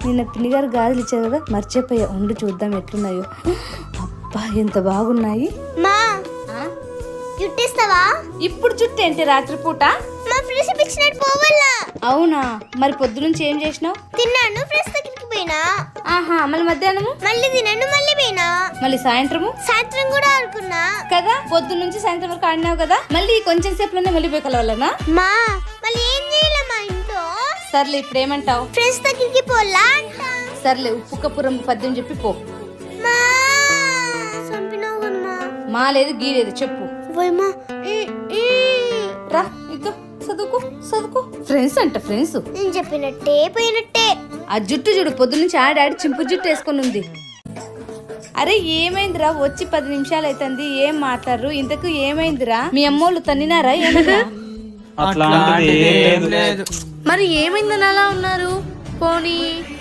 నిన్న పిన్ని గారు గాజులు ఇచ్చారు కదా, మర్చిపోయా. ఉండి చూద్దాం ఎట్లున్నాయో. అబ్బా ఎంత బాగున్నాయి. మా జుట్టిస్తావా? ఇప్పుడు జుట్టు ఏంటి రాత్రిపూట? మా ఫ్రెండ్స్ పిచ్చినట్టు పోవాలా? అవునా, మరి పొద్దు నుంచి ఏం చేసినావు? తిన్నాను, ఫ్రెండ్స్ దగ్గరికి పోయినా. ఆహా, మళ్ళీ మధ్యాహ్నము? మళ్ళీ తిన్నాను, మళ్ళీ పోయినా. మళ్ళీ సాయంత్రము? సాయంత్రం కూడా ఆడుకున్నా కదా, పొద్దు నుంచి సాయంత్రం వరకు ఆడినావు కదా, మళ్ళీ కొంచెం సేపులోనే మళ్ళీ పోయి కలవాలనా? మా మళ్ళీ ఏం చేయాలి మా ఇంట్లో? సర్లే, ఇప్పుడు ఏమంటావు? ఫ్రెండ్స్ దగ్గరికి పోలా అంట. సర్లే, ఉప్పు కప్పురం పద్యం చెప్పి పో. మా చంపినావు కదా మా. మా లేదు గీ లేదు, చెప్పు. పోయమ్మా. రా ఇక చదువుకో చదువుకో. ఫ్రెండ్స్ అంట, ఫ్రెండ్స్. నేను చెప్పినట్టే పోయినట్టే. ఆ జుట్టు చూడు, పొద్దు నుంచి ఆడాడి చింపు జుట్టు వేసుకొని ఉంది. అరే ఏమైందిరా, వచ్చి 10 నిమిషాలు అవుతుంది, ఏం మాట్లాడరు? ఇంతకు ఏమైందిరా? మీ అమ్మోళ్ళు తన్నినారా ఏమన్నా? అట్లాంటిది ఏం లేదు. మరి ఏమైందని అలా ఉన్నారు? పోనీ